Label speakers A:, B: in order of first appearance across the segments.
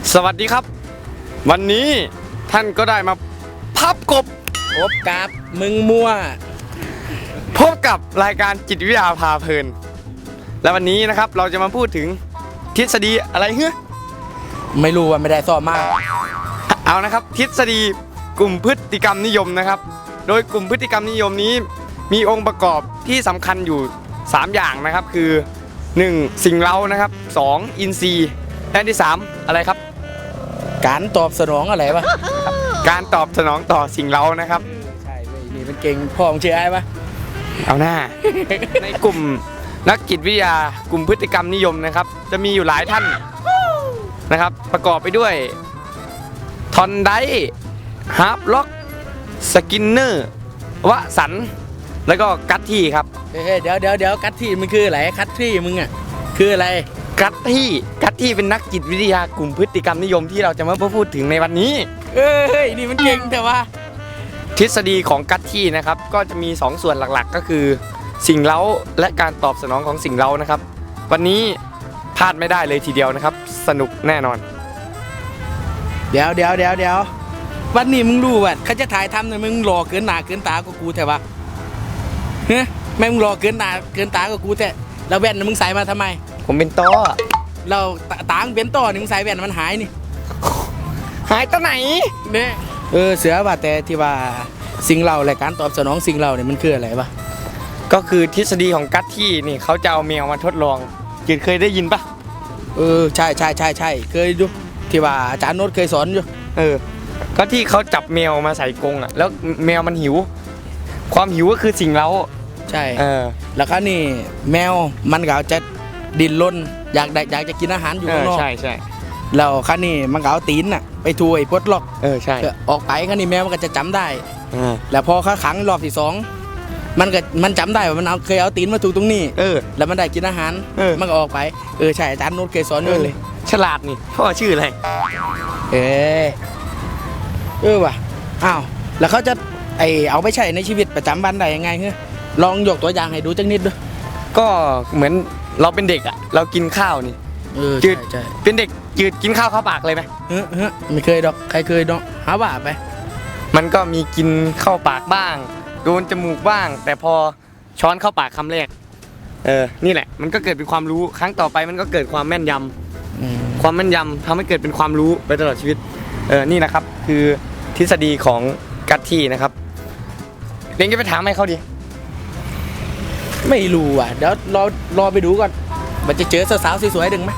A: สวัสดีครับวันนี้ท่านก็ได้มาพับกบ
B: พบกับมึงมั่ว
A: พบกับรายการจิตวิทยาพาเพลินและวันนี้นะครับเราจะมาพูดถึงทฤษฎีอะไรเฮ้ย
B: ไม่รู้ว่าไม่ได้สอบมาก
A: เอานะครับทฤษฎีกลุ่มพฤติกรรมนิยมนะครับโดยกลุ่มพฤติกรรมนิยมนี้มีองค์ประกอบที่สำคัญอยู่3อย่างนะครับคือ1สิ่งเร้านะครับ2อินทรีย์และที่3อะไรครับ
B: การตอบสนองอะไรวะ
A: การตอบสนองต่อสิ่งเร้านะครับ
B: ใช่เลยนี่มันเก่งพ่อของเชื่อไอ้ปะ
A: เอาหน้า ในกลุ่มนักจิตวิทยากลุ่มพฤติกรรมนิยมนะครับจะมีอยู่หลายท่านนะครับประกอบไปด้วยทอนไดฮาร์ปล็อกสกินเนอร์วสันแล้วก็กัตที่ครับ
B: เดี๋ยวกัตที่มันคืออะไรกัตที่มึงอ่ะคืออะไร
A: กัตที่เป็นนักจิตวิทยากลุ่มพฤติกรรมนิยมที่เราจะมาพูดถึงในวันนี้
B: นี่มันเก่งแต่ว่า
A: ทฤษฎีของกัตที่นะครับก็จะมี2ส่วนหลักๆก็คือสิ่งเร้าและการตอบสนองของสิ่งเร้านะครับวันนี้พลาดไม่ได้เลยทีเดียวนะครับสนุกแน่นอน
B: เดี๋ยววันนี้มึงรู้ว่าเขาจะถ่ายทำเนี่ยมึงหล่อเกินหน้าเกินตาก็กูแต่ว่าเฮ้ยแม่งหล่อเกินหน้าเกินตาก็กูแต่แล้วแว่นมึงใส่มาทำไม
A: ผมเป็นต้อ
B: เราตาเป็นต้อนี่มึงใส่แว่นมันหายนี่
A: หายตัวไหน
B: เนี่ยเสือว่าแต่ที่ว่าสิ่งเราและการตอบสนองสิ่งเราเนี่ยมันคืออะไรวะ
A: ก็คือทฤษฎีของกัตที่นี่เขาจะเอาแมวมาทดลองกินเคยได้ยินปะ
B: ใช่เคยดูที่ว่าอาจารย์โน้ตเคยสอนอยู่
A: ก็ที่เขาจับแมวมาใส่กรงอ่ะแล้วแมวมันหิวความหิวก็คือสิ่งเร้า
B: ใช่แล้วก็นี่แมวมันก็จะดิ้นรนอยากจะกินอาหารอยู่ข้างนอก
A: ใช่
B: แล้วข้านี่มันก็เอาตีนน่ะไปถูไอ้พดล็อก
A: ใช่
B: ออกไปข้านี่แมวมันก็จะจำได้แล้วพอเขาขังรอบที่2มันจำได้ว่ามันเคยเอาตีนมาถูตรงนี้แล้วมันได้กินอาหารมันก็ออกไปใช่อาจารย์โน้ตเคยสอนด้วยเลย
A: ฉลาดนี่พ่อชื่ออะไร
B: ว่ะอ้าวแล้วเขาจะเอาไปใช้ในชีวิตประจำวันได้ยังไงลองยกตัวอย่างให้ดูจังนิดดู
A: ก็เหมือนเราเป็นเด็กอ่ะเรากินข้าวนี่จืดเป็นเด็กจืดกินข้าวเข้าปากเลยไหม
B: ไม่เคยดอกใครเคยดอกหาว่าไป
A: มันก็มีกินเข้าปากบ้างโดนจมูกบ้างแต่พอช้อนเข้าปากคำแรกนี่แหละมันก็เกิดเป็นความรู้ครั้งต่อไปมันก็เกิดความแม่นยำความแม่นยำทำให้เกิดเป็นความรู้ไปตลอดชีวิตนี่นะครับคือทฤษฎีของกัตที่นะครับเรียนก็ไปถามให้เขาดิ
B: ไม่รู้อ่ะเดี๋ยวรอไปดูก่อนมันจะเจอสาวๆสวยๆดึงไหม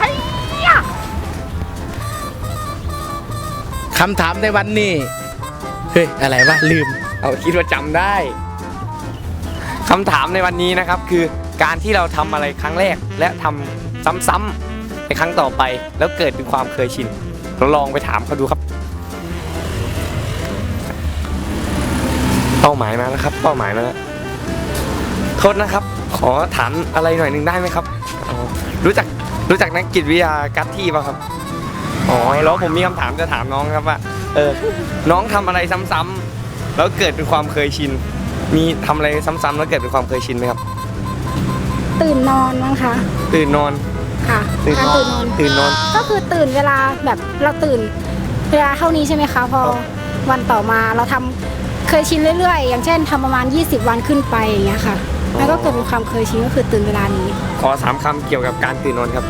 B: คำถามในวันนี้อะไรวะลืม
A: เอาคิดว่าจำได้คำถามในวันนี้นะครับคือการที่เราทำอะไรครั้งแรกและทำซ้ำๆในครั้งต่อไปแล้วเกิดเป็นความเคยชินเราลองไปถามเขาดูครับเป้าหมายมาแล้วครับเป้าหมายมาแล้วโทษนะครับขอถามอะไรหน่อยหนึ่งได้ไหมครับรู้จักนักจิตวิทยากัตที่ป่ะครับแล้วผมมีคำถามจะถามน้องครับว่าน้องทำอะไรซ้ำๆแล้วเกิดเป็นความเคยชินมีทำอะไรซ้ำๆแล้วเกิดเป็นความเคยชินไหมครับ
C: ตื่นนอนมั้งคะ
A: ตื่นนอน
C: ค่ะตื่นนอนก็คือตื่นเวลาแบบเราตื่นเวลาเท่านี้ใช่ไหมคะพอวันต่อมาเราทำเคยชินเรื่อยๆอย่างเช่นทำประมาณ20 วันขึ้นไปอย่างเงี้ยค่ะแล้วก็เกิดเป็นความเคยชินก็คือตื่นเวลานี้
A: ขอ3 คำเกี่ยวกับการตื่นนอนครับ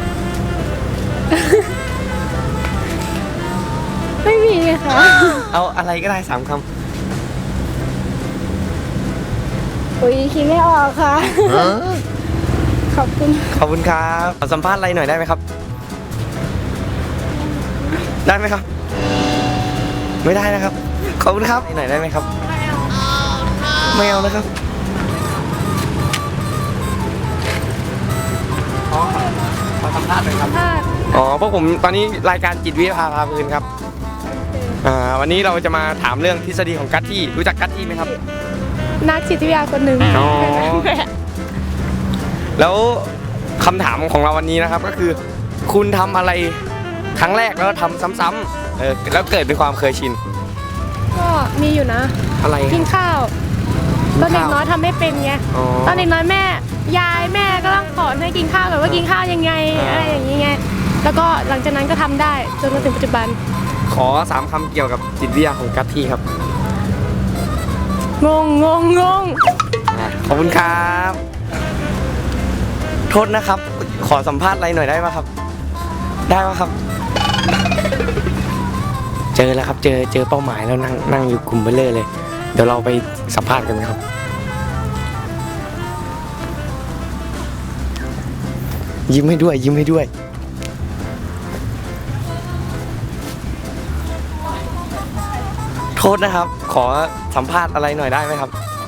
C: ไม่มีค่ะ
A: เอาอะไรก็ได้3 คำ
C: คิดไม่ออกค่ะขอบคุณ
A: ครับขอสัมภาษณ์อะไรหน่อยได้ไหมครับได้ไหมครับไม่ได้นะครับขอบคุณครับหน่อยได้ไหมครับไม่เอานะครับขอสัมภาษณ์หน่อยครับพวกผมตอนนี้รายการจิตวิทยาพาเพลินครับวันนี้เราจะมาถามเรื่องทฤษฎีของกัตที่รู้จักกัตที่ไหมครับ
C: นักจิตวิทยาคนหนึ่ง
A: แล้วคำถามของเราวันนี้นะครับก็คือคุณทำอะไรครั้งแรกแล้วทำซ้ำๆแล้วเกิดเป็นความเคยชิน
C: ก็มีอยู่นะ
A: อะไร
C: กินข้าวตอนเด็กน้อยทำไม่เป็นไงตอนเด็กน้อยแม่ก็ต้องสอนให้กินข้าวแบบว่ากินข้าวยังไงอะไรอย่างนี้ไง
D: แล้วก็หลังจากนั้นก็ทำได้จนมาถึงปัจจุบัน
A: ขอ3คำเกี่ยวกับจิตวิทยาของกัตที่ครับ
D: งง
A: ขอบคุณครับ โทษนะครับ ขอสัมภาษณ์อะไรหน่อยได้ไหมครับ ได้ไหมครับ เจอแล้วครับ เจอเป้าหมายแล้วนั่งอยู่กลุ่มเบลเลอร์เลย เดี๋ยวเราไปสัมภาษณ์กันครับ ยิ้มให้ด้วย ยิ้มให้ด้วย โทษนะครับ ขอสัมภาษณ์อะไรหน่อยได้ไหมครับ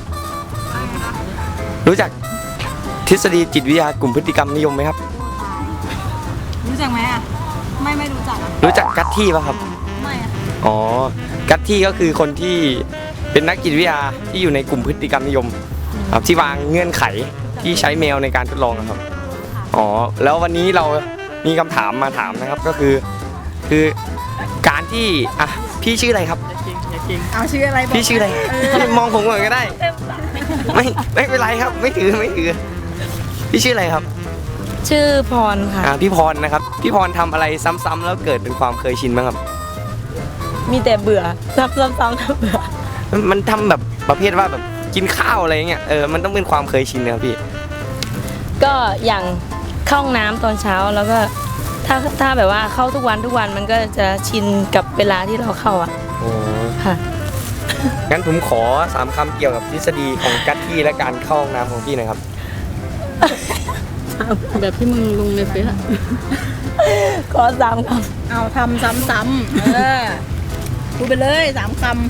A: รู้จักทฤษฎีจิตวิทยากลุ่มพฤติกรรมนิยมไหมครับ
E: รู้จักไหมอ่ะ ไม่รู้จักอ่ะ
A: รู้จักกัตที่ป่ะครับ
E: ไม่อ่ะ
A: อ๋อ กัตที่ก็คือคนที่เป็นนักจิตวิทยาที่อยู่ในกลุ่มพฤติกรรมนิยมครับที่วางเงื่อนไขที่ใช้แมวในการทดลองนะครับ อ๋อ แล้ววันนี้เรามีคำถามมาถามนะครับก็คือการที่อ่ะพี่ชื่ออะไรครับ
E: เอาชื่ออะไรบอก
A: พี่ชื่ออะไรพี่มองผมก่อนก็ได้ ไม่เป็นไรครับ ไม่ถือพี่ชื่ออะไรครับ
F: ชื่อพรค่ะ
A: พี่พรนะครับพี่พรทำอะไรซ้ำๆแล้วเกิดเป็นความเคยชินบ้างครับ
F: มีแต่เบื่อซ้ำๆถ้าเบื่อ
A: มันทำแบบประเภทว่าแบบกินข้าวอะไรเงี้ยมันต้องเป็นความเคยชินนะครับพี่
F: ก็อย่างเข้าห้องน้ำตอนเช้าแล้วก็ถ้าแบบว่าเข้าทุกวันมันก็จะชินกับเวลาที่เราเข้าอ่ะ
A: โอ้
F: ค่ะ
A: งั้นผมขอ3คำเกี่ยวกับทฤษฎีของกัตที่และการเข้าห้องน้ำของพี่หนะครับ
E: แบบที่มึงลงในเฟซอ่ะ
F: ขอ3 ค
E: เอาทำซ้ำๆพูดไปเลย3 คำ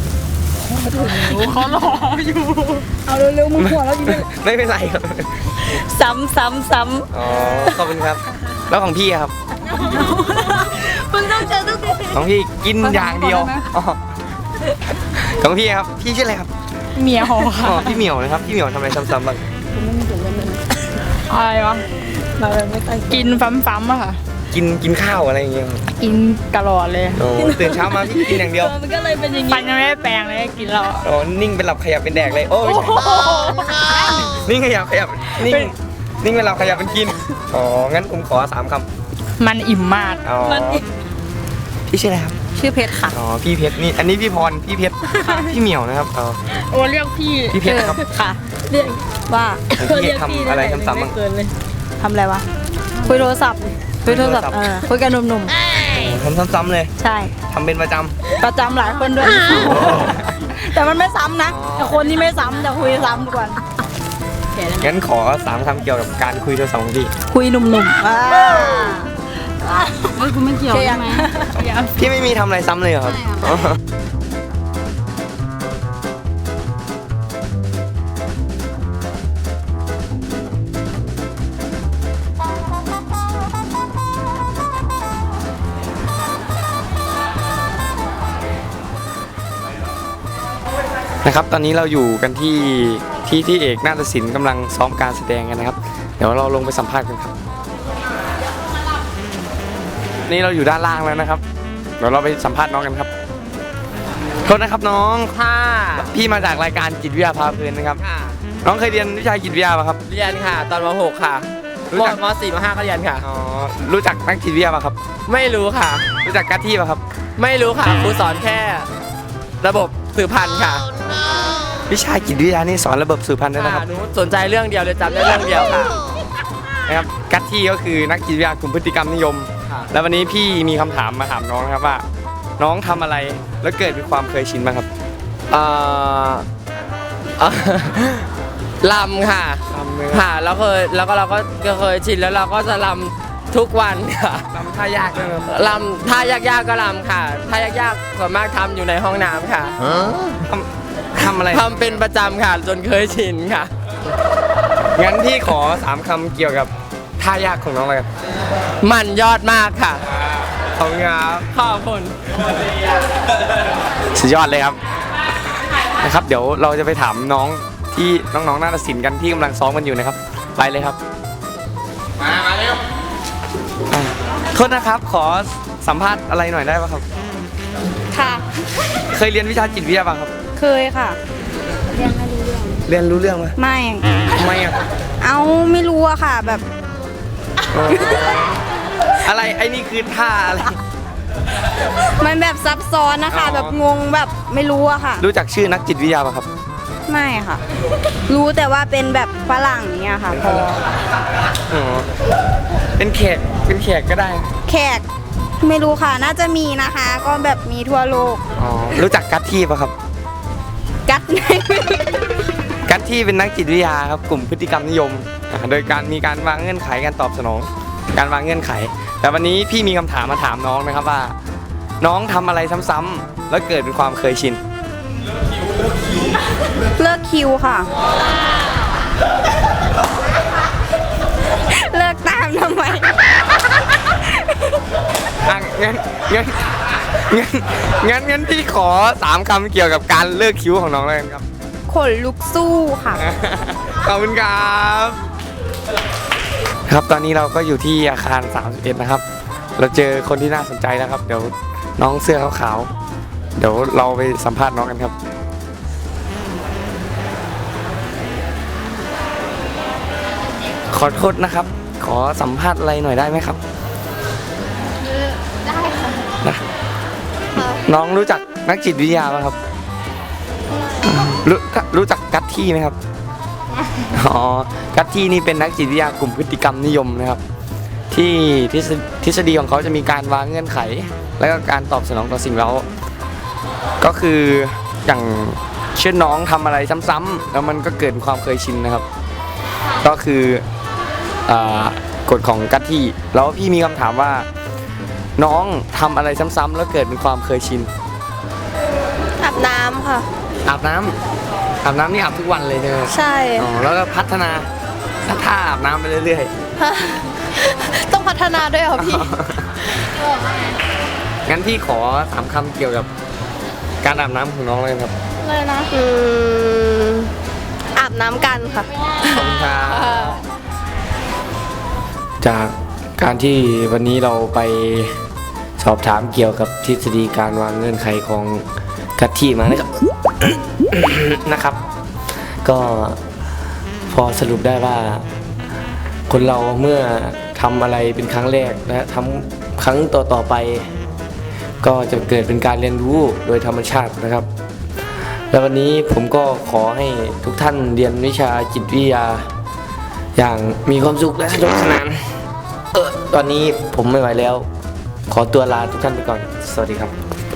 E: เขารออยู่ เอาเร็วๆมึงหัวแล้วอยู่
A: ไม่เป็นไรครับ
F: ำซ้ำ
A: อ๋อขอบคุณครับ แล้วของพี่อะครับ
E: มึงต้องเจอทุกที
A: ของพี่กินอย่างเดียวอ๋อของพี่ครับพี่ชื่ออะไรครับ
D: เมียหอ
A: อ๋
D: ค่ะ
A: อพี่เหมียวนะครับพี่เหมียวทำอะไรซ้ำๆบ้าง
D: อะไรวะ
F: เราไม่ตั้ง
D: กินฟัมๆอะค่ะ
A: กินข้าวอะไรอย่างเงี้ยครับ
D: กินตลอดเลย
A: โอ้ตื่นเช้ามาพี่กินอย่างเดียว
F: มันก็เลยเป็นอย่าง
D: ฟั
F: นี้
D: นยังไม่ได้แปรงเลยกินเรา
A: อ๋อนิ่งเป็นหลับขยับเป็นแดกเลยโอ้ยนิ่งขยับนิ่งเป็นหลับขยับเป็นกินอ๋องั้นผมขอ3คำ
D: มันอิ่มมาก
A: อ๋อพี่ชื่ออะไรครับ
E: ชื่อเพชรค่ะ
A: อ๋อพี่เพชรนี่อันนี้พี่พรพี่เพชรพี่เหมียวนะครับอ๋อ
D: โอ้เรียกพี่
A: พี่เพชรครับ
E: ค่ะ เรียกว่า
A: พี่ทำอะไรซ้ำๆบ้าง
E: ทำอะไรวะ คุยโทรศัพท์คุยกับหนุ่ม
A: ทำซ้ำๆเลย
E: ๆ ใช่
A: ทำเป็นประจ
E: ประจำหลายคนด้วย แต่มันไม่ซ้ำนะแต่คนที่ไม่ซ้ำจะคุยซ้ำทุกวัน
A: ำงั้นขอ3คำเกี่ยวกับการคุยโทรศัพท์ของพี่
E: คุยหนุ่มๆเฮ้ยคุณไม่เกี่ยวใช่ไหม
A: พี่ไม่มีทำอะไรซ้ำเลยเหรอครับอ๋อนะครับตอนนี้เราอยู่กันที่เอกนาฏศิลป์กำลังซ้อมการแสดงกันนะครับ เดี๋ยวเราลงไปสัมภาษณ์กันครับนี่เราอยู่ด้านล่างแล้วนะครับ เดี๋ยวเราไปสัมภาษณ์น้องกันครับโทษนะครับน้อง
G: ค่ะ
A: พี่มาจากรายการจิตวิทยาพาเพลินนะครับ
G: ค่ะ
A: น้องเคยเรียนวิชาจิตวิทยาป่ะครับ
G: เรียนค่ะ ตอนม .6 ค่ะ
A: รู้จัก
G: ม .4 ม .5 ก็เรียนค่ะ
A: อ๋อรู้จักนักจิตวิทยาป่ะครับ
G: ไม่รู้ค่ะ
A: รู้จักกัตที่ป่ะครับ
G: ไม่รู้ค่ะครูสอนแค่ระบบสืบพันธุ์ค่ะ
A: วิชาจิตวิทยานี่สอนระบบสืบพันธุ์ด้วยนะค
G: ค่ะ
A: รับ
G: หนูสนใจเรื่องเดียวเลยจำได้เรื่องเดียวค่ะ
A: นะครับกัตที่ก็คือนักจิตวิทยากลุ่มพฤติกรรมนิยม
G: ค่ะ
A: แล้ววันนี้พี่มีคำถามมาถามน้องนะครับว่า น้องทำอะไรแล้วเกิดเป็นความเคยชินบ้างครับ
G: เอ่อเอ่อลำค่ะ
A: ทำเลย
G: ค่ะแล้วเราก็เคยชินแล้วเราก็จะลำทุกวันค่ะ
A: ทำท่ายากด้วยครับ
G: ลำท่ายากๆก็ลำค่ะท่ายากๆส่วนมากทำอยู่ในห้องน้ำค่ะ
A: ทำอะไร
G: ทำเป็นประจำค่ะจนเคยชินค่ะ
A: งั้นพี่ขอ3คำเกี่ยวกับท่ายากของน้องเลยครับ
G: มันยอดมากค่ะ
A: ขอบคุณครับ
G: ขอบคุณ
A: สุดยอดเลยครับนะครับ เดี๋ยวเราจะไปถามน้องที่น้องๆนาฏศิลป์กันที่กำลังซ้อมกันอยู่นะครับ ไปเลยครับมาเร็วโทษนะครับขอสัมภาษณ์อะไรหน่อยได้ป่ะครับ
C: ค่ะ
A: เคยเรียนวิชาจิตวิทยาป่ะครับ
C: เคยค่ะ
A: เรียนรู้เรื่องไหม
C: ไม่
A: ทำไมอ่ะ
C: เอาไม่รู้อะค่ะ แบบ
A: อะไรไอ้นี่คือท่าอะไร
E: มันแบบซับซ้อนนะคะ
A: อ๋อ
E: แบบงงแบบไม่รู้อะค่ะ
A: รู้จักชื่อนักจิตวิทยาป่ะครับ
E: ไม่ค่ะ รู้แต่ว่าเป็นแบบฝรั่งอย่างเงี้ยค่ะพอ
A: อ๋อเป็นแขกก็ได้
E: แขกไม่รู้ค่ะ น่าจะมีนะคะ ก็แบบมีทั่วโลก
A: อ๋อรู้จักกัตที่ป่ะครับ
E: กัดไหน
A: กัตที่เป็นนักจิตวิทยาครับกลุ่มพฤติกรรมนิยมโดยการมีการวางเงื่อนไขการตอบสนอง การวางเงื่อนไข แต่วันนี้พี่มีคำถามมาถามน้องนะครับว่า น้องทำอะไรซ้ำๆแล้วเกิดเป็นความเคยชิน
E: เลิกคิวค่ะ เลิกตามทำไม
A: อ่ะงั้นพี่ขอ3 คำเกี่ยวกับการเลิกคิ้วของน้องเลยครับ
E: ขนลุกสู้ค่ะ
A: ขอบคุณครับครับตอนนี้เราก็อยู่ที่อาคาร31นะครับ เราเจอคนที่น่าสนใจแล้วครับ เดี๋ยวน้องเสื้อขาวๆเดี๋ยวเราไปสัมภาษณ์น้องกันครับ ขอโทษนะครับ ขอสัมภาษณ์อะไรหน่อยได้ไหมครับได้ค่ะน้องรู้จักนักจิตวิทยาไหมครับรู้จักกัตที่ไหมครับอ๋อกัตที่นี่เป็นนักจิตวิทยากลุ่มพฤติกรรมนิยมนะครับ ที่ทฤษฎีของเขาจะมีการวางเงื่อนไข และก็การตอบสนองต่อสิ่งเร้าก็คืออย่างเช่นน้องทำอะไรซ้ำๆแล้วมันก็เกิดความเคยชินนะครับ ก็คือกฎของกัตที่แล้วพี่มีคำถามว่า น้องทำอะไรซ้ำๆแล้วเกิดเป็นความเคยชิน
E: อาบน้ำค่ะ
A: อาบน้ำนี่อาบทุกวันเลยใช่ไหม
E: ใช่
A: อ๋อแล้วก็พัฒนาท่าอาบน้ำไปเรื่อย
E: ต้องพัฒนาด้วยเหรอพี่
A: ๆ งั้นพี่ขอ3 คำเกี่ยวกับการอาบน้ำของน้องเลยครับ
E: เลยนะอาบน้ำกันค่ะ
A: ขอบคุณครับจากการที่วันนี้เราไปสอบถามเกี่ยวกับทฤษฎีการวางเงื่อนไขของกัตที่มานะครับ นะครับ ก็พอสรุปได้ว่าคนเราเมื่อทำอะไรเป็นครั้งแรกและทำครั้งต่อไป ก็จะเกิดเป็นการเรียนรู้โดยธรรมชาตินะครับ แล้ววันนี้ผมก็ขอให้ทุกท่านเรียนวิชาจิตวิทยาอย่างมีความสุขและสนุกสนานตอนนี้ผมไม่ไหวแล้ว ขอตัวลาทุกท่านไปก่อน สวัสดีครับ